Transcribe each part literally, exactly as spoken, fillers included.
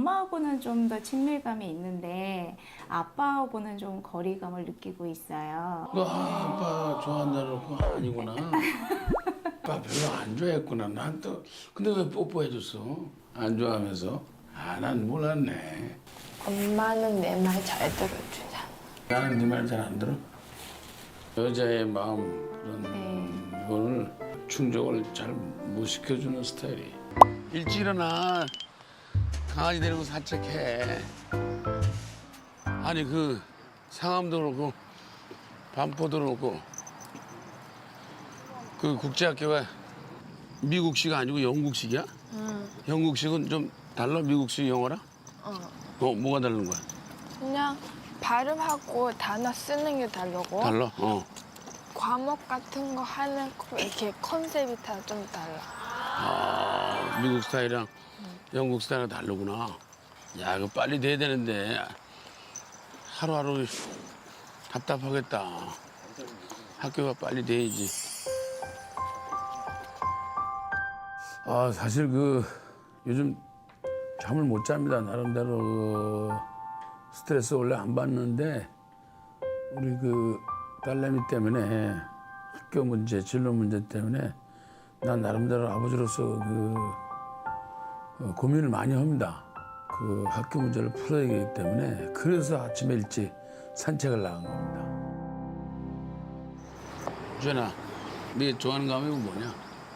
엄마하고는 좀 더 친밀감이 있는데 아빠하고는 좀 거리감을 느끼고 있어요. 너 아빠 좋아한다는 거 아니구나. 아빠 별로 안 좋아했구나. 난 또 근데 왜 뽀뽀해줬어? 안 좋아하면서? 아, 난 몰랐네. 엄마는 내 말 잘 들어주잖아. 나는 네 말 잘 안 들어. 여자의 마음 그런 네. 거를 충족을 잘 못 시켜주는 스타일이. 일찍 일어나. 강아지 데리고 산책해. 아니 그 상암도 그렇고 반포도 그렇고 그 국제학교가 미국식 아니고 영국식이야? 응. 영국식은 좀 달라? 미국식 영어랑? 어. 어, 뭐가 다른 거야? 그냥 발음하고 단어 쓰는 게 다르고 달라? 어. 과목 같은 거 하는 거 이렇게 컨셉이 다 좀 달라. 아, 미국 스타일이랑 영국 스타일은 다르구나. 야, 이거 빨리 돼야 되는데 하루하루 답답하겠다. 학교가 빨리 돼야지. 아, 사실 그 요즘 잠을 못 잡니다. 나름대로 그 스트레스 원래 안 받는데 우리 그 딸내미 때문에 학교 문제, 진로 문제 때문에 난 나름대로 아버지로서 그 어, 고민을 많이 합니다. 그 학교 문제를 풀어야 되기 때문에 그래서 아침에 일찍 산책을 나간 겁니다. 주연아, 네 좋아하는 과목이 뭐냐?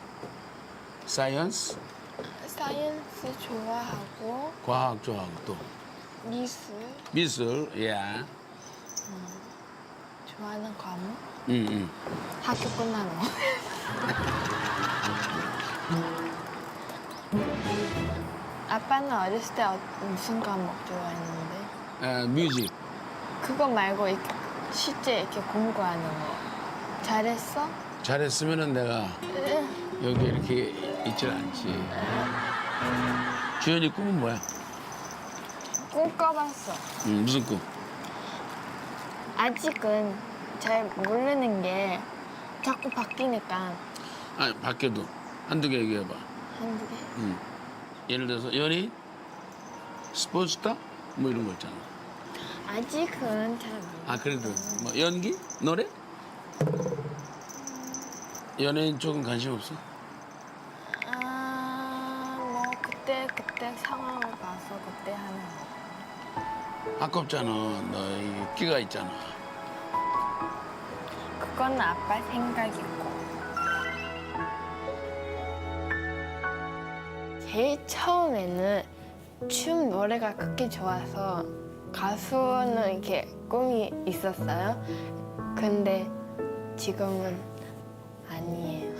사이언스? 사이언스 좋아하고 과학 좋아하고 또 미술 미술, 예. 좋아하는 과목? 응, 응. 학교 끝나는 거. 아빠는 어렸을 때 어- 무슨 과목 좋아했는데? 아, 뮤직. 그거 말고 이렇게 실제 이렇게 공부하는 거 잘했어? 잘했으면은 내가 여기 이렇게 있질 않지. 주연이 꿈은 뭐야? 꿈 꿔봤어. 응, 무슨 꿈? 아직은 잘 모르는 게 자꾸 바뀌니까 아, 밖에도 한두 개 얘기해봐. 한두 개. 응. 예를 들어서 연예인? 스포츠스타? 뭐 이런 거 있잖아. 아직은 잘 몰라. 아, 그래도 뭐 연기? 노래? 연예인 쪽은 관심 없어? 아, 뭐 그때 그때 상황을 봐서 그때 하는 거. 아깝잖아. 너희 끼가 있잖아. 그건 아빠 생각이고. 제일 처음에는 춤 노래가 그렇게 좋아서 가수는 이렇게 꿈이 있었어요. 근데 지금은 아니에요.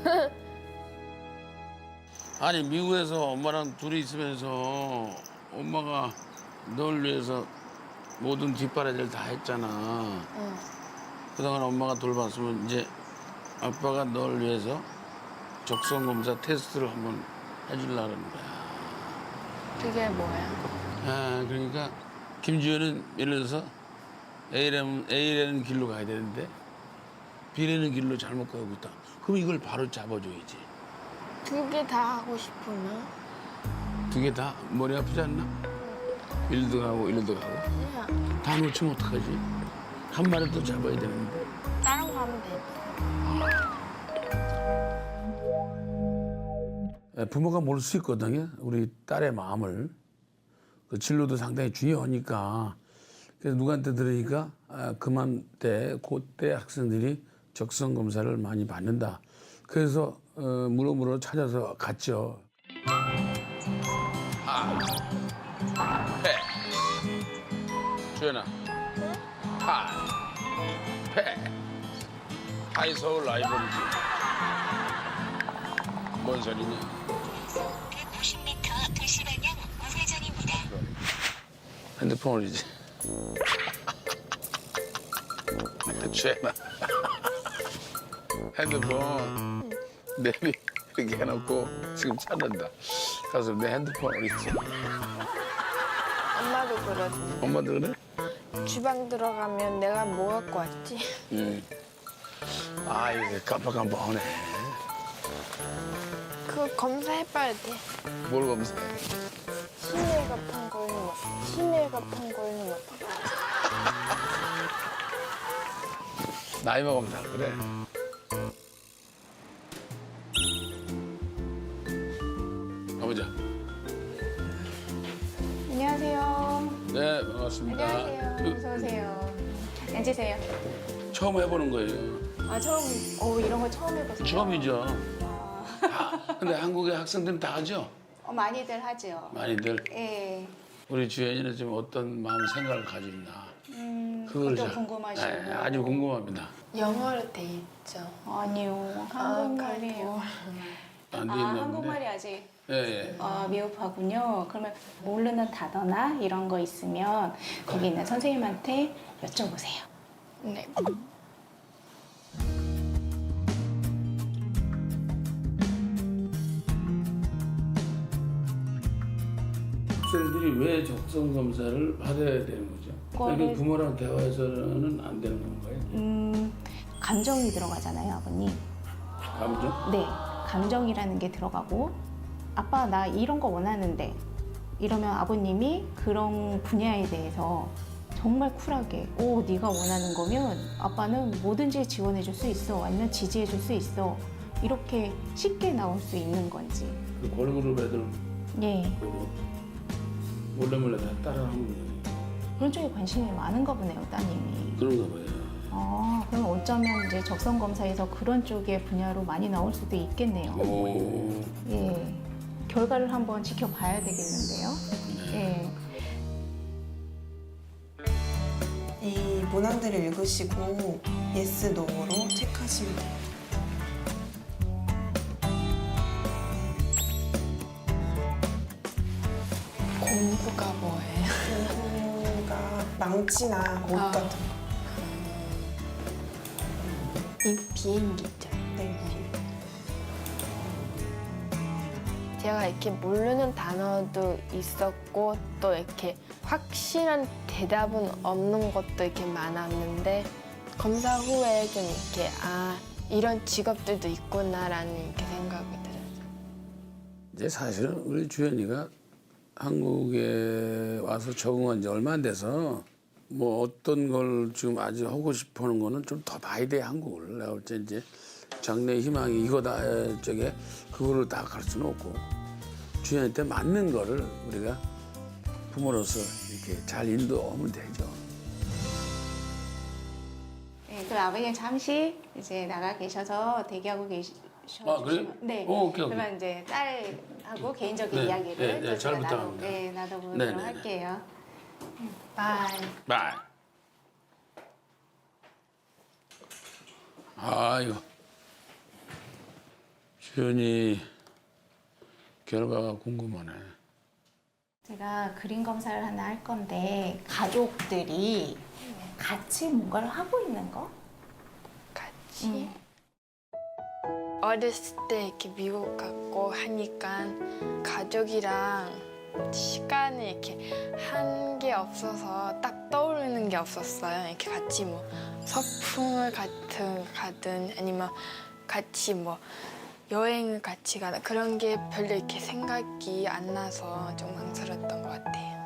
아니 미국에서 엄마랑 둘이 있으면서 엄마가 널 위해서 모든 뒷바라지를 다 했잖아. 응. 그동안 엄마가 돌봤으면 이제 아빠가 널 위해서 적성 검사 테스트를 한번 해주려고 하는 거야. 그게 뭐야? 아, 그러니까 김주현은 예를 들어서 A라는, A라는 길로 가야 되는데 B라는 길로 잘못 가고 있다. 그럼 이걸 바로 잡아줘야지. 두 개 다 하고 싶으면 두 개 다 머리 아프지 않나? 일도 가고 일도 가고. 그냥 다 놓치면 어떡하지? 한 마리 또 잡아야 되는데. 다른 거 하면 되지. 부모가 모를 수 있거든요. 우리 딸의 마음을. 그 진로도 상당히 중요하니까. 그래서 누구한테 들으니까 아, 그만 때, 그때 학생들이 적성 검사를 많이 받는다. 그래서 어, 물어물어 찾아서 갔죠. 하, 패, 주연아, 하, 패, 하이서울 라이브러리. 뭔 소리냐? 백구십 미터 도시 방향 우회전입니다. 핸드폰 올리지. 주연아. 핸드폰 내비 이렇게 해놓고 지금 찾는다. 가서 내 핸드폰 어딨지? 엄마도 그러지. 엄마도 그래? 주방 들어가면 내가 뭐 갖고 왔지? 응. 아, 이게 깜빡깜빡하네. 그거 검사해봐야 돼. 뭘 검사해? 실내 같은 같은 거는 뭐 나이 먹으면 다 그래. 가보자. 안녕하세요. 네, 반갑습니다. 안녕하세요. 그, 어서 오세요. 앉으세요. 처음 해보는 거예요. 아 처음, 어 이런 거 처음 해보세요? 처음이죠. 아, 아, 근데 한국의 학생들은 다 하죠? 어, 많이들 하죠. 많이들. 예. 우리 주연이는 지금 어떤 마음 생각을 가지고 있나. 음, 그걸 그것도 잘- 궁금하시고. 네, 아주 궁금합니다. 영어로 돼 있죠. 아니요, 한국말이에요. 안 돼 아, 있나 한국말이 본데. 아직 예, 예. 어, 미흡하군요. 그러면 모르는 단어나 이런 거 있으면 거기 있는 선생님한테 여쭤보세요. 네. 학생들이 왜 적성 검사를 받아야 되는 거죠? 그거를- 여기 부모랑 대화해서는 안 되는 건가요? 음, 감정이 들어가잖아요, 아버님. 감정? 네, 감정이라는 게 들어가고 아빠 나 이런 거 원하는데 이러면 아버님이 그런 분야에 대해서 정말 쿨하게 오 네가 원하는 거면 아빠는 뭐든지 지원해 줄 수 있어 아니면 지지해 줄 수 있어 이렇게 쉽게 나올 수 있는 건지 그 걸그룹 애들 예 보고 몰래 몰래 다 따라하는 거예요. 그런 쪽에 관심이 많은가 보네요 따님이. 그런가 봐요. 아 그럼 어쩌면 이제 적성 검사에서 그런 쪽의 분야로 많이 나올 수도 있겠네요. 오, 예 결과를 한번 지켜봐야 되겠는데요. 예. 이 문항들을 읽으시고 예스, 노로 체크하시면 돼요. 공부가 뭐예요? 공부가 망치나 옷 아. 같은 거. 이 비행기죠. 네. 제가 이렇게 모르는 단어도 있었고 또 이렇게 확실한 대답은 없는 것도 이렇게 많았는데 검사 후에 좀 이렇게 아 이런 직업들도 있구나라는 이렇게 생각이 들어요. 이제 사실은 우리 주연이가 한국에 와서 적응한 지 얼마 안 돼서 뭐 어떤 걸 지금 아직 하고 싶어 하는 거는 좀 더 봐야 돼, 한국을. 내가 볼 때 이제 장래 희망이 이거다, 저게 그거를 다 갈 수는 없고 주연한테 맞는 거를 우리가 부모로서 이렇게 잘 인도하면 되죠. 네, 그 아버님 잠시 이제 나가 계셔서 대기하고 계셔. 아, 그래요? 네. 어, 오케이, 오케이. 그러면 이제 딸하고 개인적인 네, 이야기를 네, 네, 또 잘 제가 나눠, 부탁합니다. 네, 나눠보도록 네, 네, 네. 할게요. 바이. 바이. 아이고. 주연이 결과가 궁금하네. 제가 그림 검사를 하나 할 건데 가족들이 같이 뭔가를 하고 있는 거? 같이 음. 어렸을 때 이렇게 미국 갔고 하니까 가족이랑 시간을 이렇게 한 게 없어서 딱 떠오르는 게 없었어요. 이렇게 같이 뭐 서풍을 같은 가든 아니면 같이 뭐 여행을 같이 가든 그런 게 별로 이렇게 생각이 안 나서 좀 망설였던 것 같아요.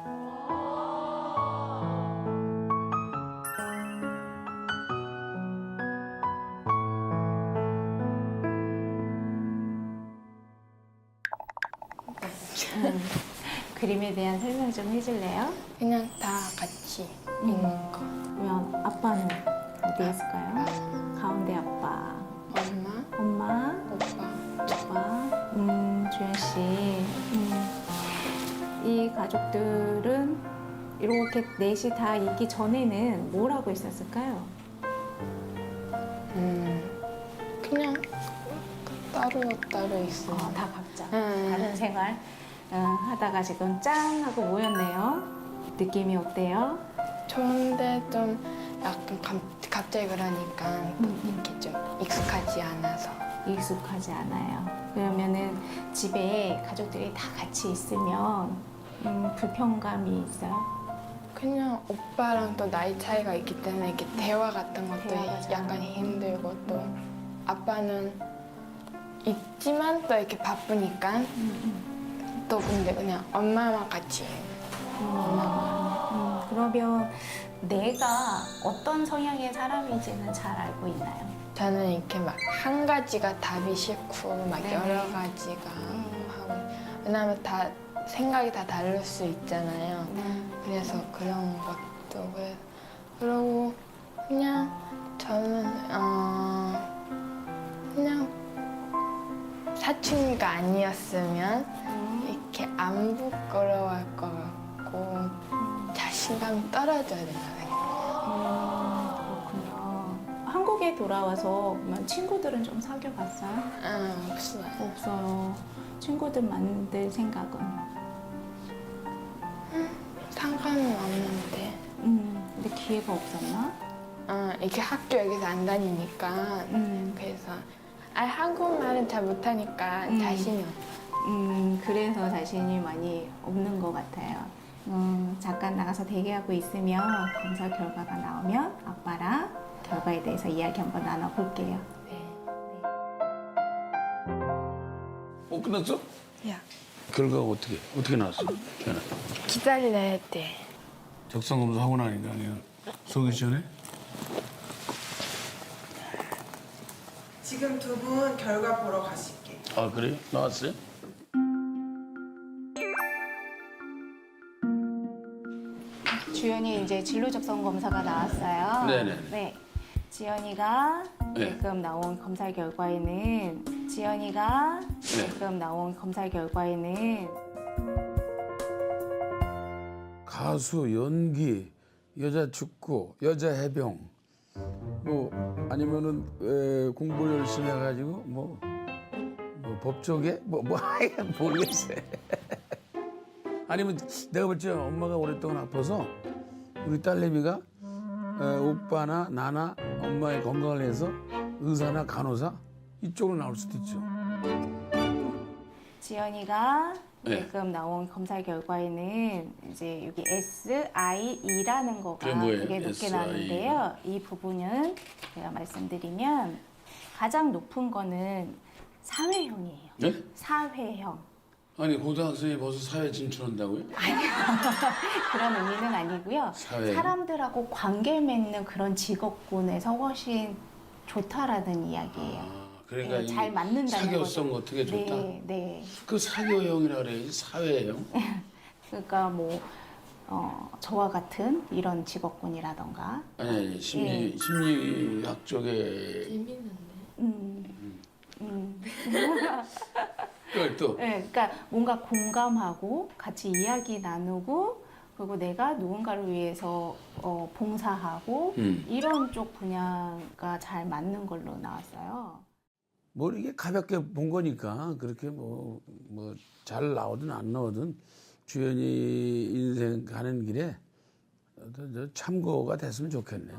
음. 그림에 대한 설명 좀 해줄래요? 그냥 다 같이 있는 거. 그러면 아빠는 어디 있을까요? 가운데 아빠, 엄마, 엄마, 오빠, 오빠, 음, 주연 씨. 음. 이 가족들은 이렇게 넷이 다 있기 전에는 뭘 하고 있었을까요? 음, 그냥 따로 따로 있어. 어, 다 각자 음. 다른 생활 어, 하다가 지금 짠 하고 모였네요. 느낌이 어때요? 좋은데 좀 약간 감, 갑자기 그러니까 음. 이렇게 좀 익숙하지 않아서. 익숙하지 않아요. 그러면은 집에 가족들이 다 같이 있으면 음, 불편감이 있어요. 그냥 오빠랑 또 나이 차이가 있기 때문에 이렇게 대화 같은 것도 대화가 잘 약간 안 힘들고 또 아빠는 있지만 또 이렇게 바쁘니까 또 근데 그냥 엄마만 같이 음, 그러면 내가 어떤 성향의 사람인지는 잘 알고 있나요? 저는 이렇게 막 한 가지가 답이 싫고 막 네네. 여러 가지가 하고 왜냐면 다 생각이 다 다를 수 있잖아요. 네. 그래서 그런 것도 그래 그러고 그냥 저는 어 그냥 사춘기가 아니었으면 이렇게 안 부끄러워할 것 같고 자신감이 떨어져야 된다 생각해요. 그렇군요. 한국에 돌아와서 그러면 친구들은 좀 사귀어봤어요? 아, 없어요. 없어요. 친구들 만들 생각은? 상관은 없는데 음, 근데 기회가 없었나? 어, 이렇게 학교 여기서 안 다니니까 음, 그래서 아 한국말은 잘 못하니까 음. 자신이 없어. 음, 그래서 자신이 많이 없는 것 같아요. 음, 잠깐 나가서 대기하고 있으면 검사 결과가 나오면 아빠랑 결과에 대해서 이야기 한번 나눠볼게요. 네. 어 끝났어? 야 결과가 어떻게 어떻게 나왔어? 전화. 기다려야 돼. 적성 검사 하고 나니까 그냥 속이 시원해? 지금 두 분 결과 보러 가실게요. 아 그래요? 나왔어요? 주연이 이제 진로 적성 검사가 나왔어요. 네네. 네. 지연이가 네. 지금 나온 검사 결과에는 지연이가 네. 지금 나온 검사 결과에는 가수, 연기, 여자 축구, 여자 해병, 뭐 아니면은 에, 공부 열심히 해가지고 뭐, 뭐 법조계 뭐뭐 모르겠어요. 아니면 내가 볼 때 엄마가 오랫동안 아파서 우리 딸내미가 에, 오빠나 나나 엄마의 건강을 위해서 의사나 간호사 이쪽으로 나올 수도 있죠. 지연이가 네. 지금 나온 검사 결과에는 이제 여기 에스 아이 이라는 거가 그게 뭐예요? 되게 높게 에스 아이? 나왔는데요. 이 부분은 제가 말씀드리면 가장 높은 거는 사회형이에요. 네? 사회형. 아니 고등학생이 벌써 사회 진출한다고요? 그런 의미는 아니고요. 사회. 사람들하고 관계 맺는 그런 직업군에서 훨씬 좋다라는 이야기예요. 아, 그러니까 네, 이 잘 맞는다는 사교성 거죠. 어떻게 좋다? 네, 네. 그 사교형이라 그래야지 사회형. 그러니까 뭐 어, 저와 같은 이런 직업군이라던가, 아니 아니 심리 예. 심리학 쪽에 재밌는데. 음, 음. 그걸 또 네, 그러니까 뭔가 공감하고 같이 이야기 나누고 그리고 내가 누군가를 위해서 어, 봉사하고 음. 이런 쪽 분야가 잘 맞는 걸로 나왔어요. 뭐 이게 가볍게 본 거니까 그렇게 뭐 뭐 잘 나오든 안 나오든 주연이 인생 가는 길에 어떤 저 참고가 됐으면 좋겠네요.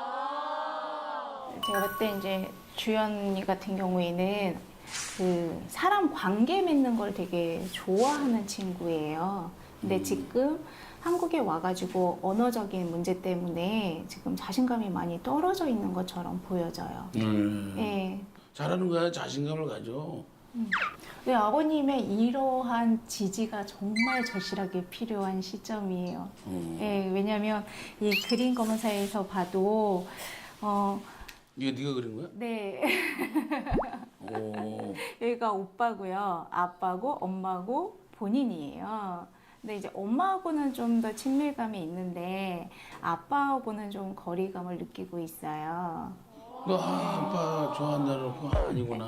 제가 그때 이제 주연이 같은 경우에는 그 사람 관계 맺는 걸 되게 좋아하는 친구예요. 근데 지금 한국에 와가지고 언어적인 문제 때문에 지금 자신감이 많이 떨어져 있는 것처럼 보여져요. 음. 예. 잘하는 거야 자신감을 가져. 네, 아버님의 이러한 지지가 정말 절실하게 필요한 시점이에요. 음. 예, 왜냐하면 이 그림 검사에서 봐도 어, 이게 네가 그린 거야? 네. 오. 여기가 오빠고요. 아빠고 엄마고 본인이에요. 근데 이제 엄마하고는 좀 더 친밀감이 있는데 아빠하고는 좀 거리감을 느끼고 있어요. 너 아빠 좋아한다는 거 아니구나.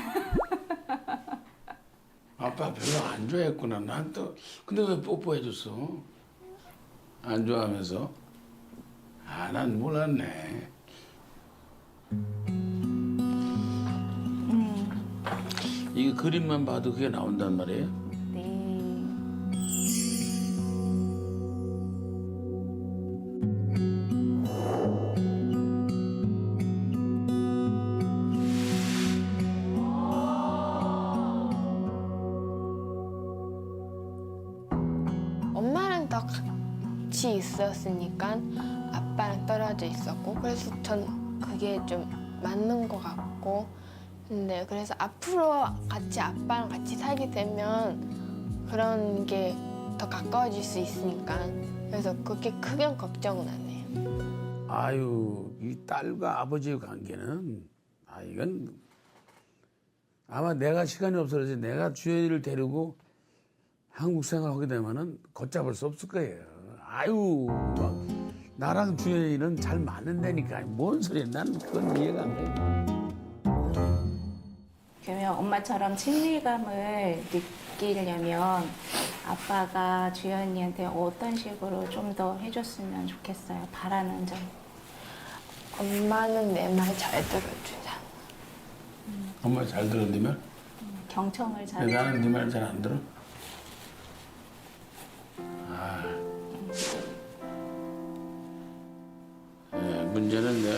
아빠 별로 안 좋아했구나. 난 또 근데 왜 뽀뽀해줬어? 안 좋아하면서? 아, 난 몰랐네. 음, 이게 그림만 봐도 그게 나온단 말이에요? 네. 엄마랑 더 같이 있었으니까 아빠랑 떨어져 있었고 그래서 전 그게 좀 맞는 것 같고 근데 그래서 앞으로 같이 아빠랑 같이 살게 되면 그런 게 더 가까워질 수 있으니까 그래서 그렇게 크게 걱정은 안 해요. 아유, 이 딸과 아버지의 관계는 아 이건 아마 내가 시간이 없어서 내가 주연이를 데리고 한국 생활하게 되면은 걷잡을 수 없을 거예요. 아유, 막 나랑 주연이는 잘 맞는다니까. 뭔 소리야? 난 그건 이해가 안 돼. 그러면 엄마처럼 친밀감을 느끼려면 아빠가 주연이한테 어떤 식으로 좀 더 해줬으면 좋겠어요? 바라는 점. 엄마는 내 말 잘 들어주잖아. 엄마 잘 들어, 네 말? 경청을 잘. 근데 나는 네 말 잘 안 들어? 아. 네, 문제는 내가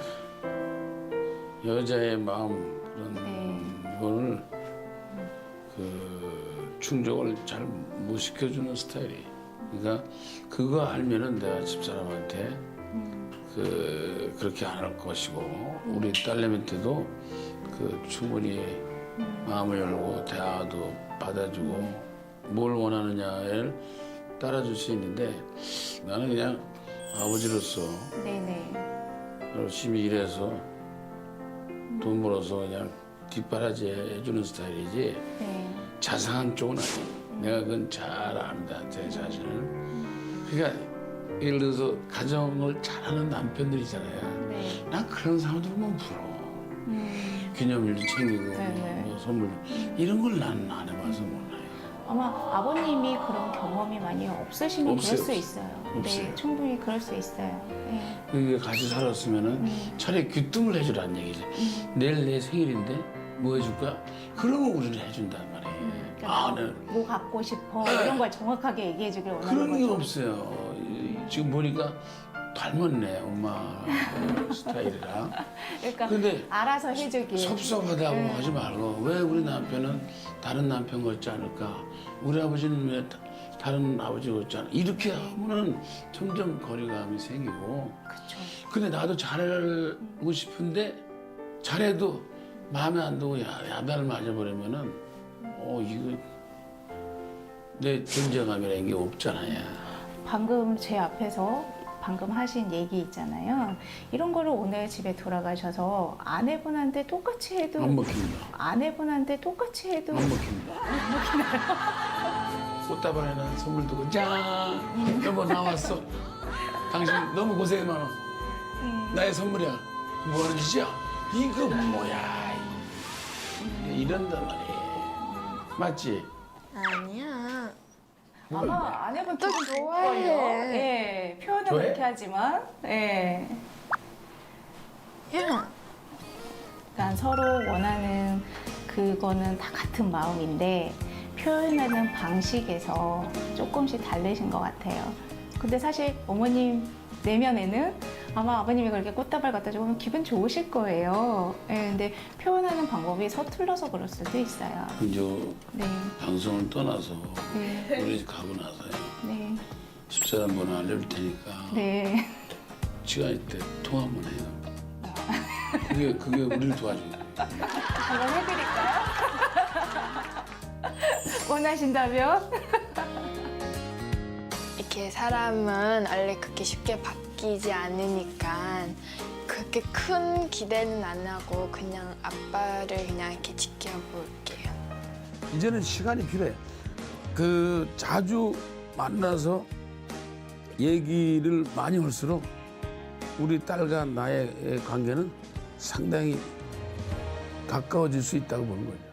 여자의 마음 그런 네. 거를 그 충족을 잘 못 시켜주는 스타일이. 그러니까 그거 알면은 내가 집사람한테 그 그렇게 안 할 것이고 우리 딸내미한테도 그 충분히 마음을 열고 대화도 받아주고 뭘 원하느냐를 따라줄 수 있는데 나는 그냥 아버지로서 네네. 열심히 일해서 돈 벌어서 그냥 뒷바라지 해주는 스타일이지 네. 자상한 쪽은 아니에요. 내가 그건 잘 압니다, 제 자신을. 그러니까 예를 들어서 가정을 잘하는 남편들 있잖아요. 네. 난 그런 사람들 보면 부러워. 음. 기념일도 챙기고 네네. 뭐 선물 이런 걸 나는 안 해봐서 몰라요. 아마 아버님이 그런 경험이 많이 없으시면 없어요, 그럴 수 없어요. 있어요. 없어요. 네, 충분히 그럴 수 있어요. 네. 그게 같이 살았으면은 음. 차라리 귀뜸을 해주라는 얘기지. 내일 내 생일인데 뭐 해줄까? 그러면 우리는 해준단 말이에요. 그러니까 아, 네. 뭐 갖고 싶어 이런 걸 정확하게 얘기해 주길 원하는 그런 게 거죠. 없어요. 이- 지금 보니까 닮았네, 엄마 스타일이랑. 그러니까 근데 알아서 해주길. 섭섭하다고 네. 하지 말고 왜 우리 남편은 다른 남편 같지 않을까? 우리 아버지는 왜 다- 다른 아버지 같지 않을까? 이렇게 하면은 점점 거리감이 생기고. 그렇죠. 근데 나도 잘하고 싶은데 잘해도 마음에 안 들고 야, 야단을 맞아버리면은 어 이거 내 존재감이라는 게 없잖아요. 방금 제 앞에서 방금 하신 얘기 있잖아요. 이런 거를 오늘 집에 돌아가셔서 아내분한테 똑같이 해도 안 먹힙니다. 아내분한테 똑같이 해도 안 먹힙니다. 꽃다발에는 선물 두고 짠! 여보 나왔어. 당신 너무 고생 많아. 나의 선물이야. 뭐 하는 짓이야? 이거 뭐야? 이런단 말이에요. 맞지? 아니야. 아마 아내분 또 기분 좋아해. 좋을걸요. 예, 표현은 좋아해? 그렇게 하지만, 예. 야. 그러니까 서로 원하는 그거는 다 같은 마음인데 표현하는 방식에서 조금씩 다르신 것 같아요. 근데 사실 어머님 내면에는 아마 아버님이 그렇게 꽃다발 갖다 주면 기분 좋으실 거예요. 예, 근데 표현하는 방법이 서툴러서 그럴 수도 있어요. 이제 네, 방송을 떠나서 네, 우리 집 가고 나서요. 네, 집사람 번호 알려줄 테니까 네. 시간 있을 때 통화 한번 해요. 그게 그게 우리를 도와줘요. 한번 해드릴까요? 원하신다면? 이렇게 사람은 원래 그렇게 쉽게 바뀌지 않으니까 그렇게 큰 기대는 안 하고 그냥 아빠를 그냥 이렇게 지켜볼게요. 이제는 시간이 필요해. 그 자주 만나서 얘기를 많이 할수록 우리 딸과 나의 관계는 상당히 가까워질 수 있다고 보는 거죠.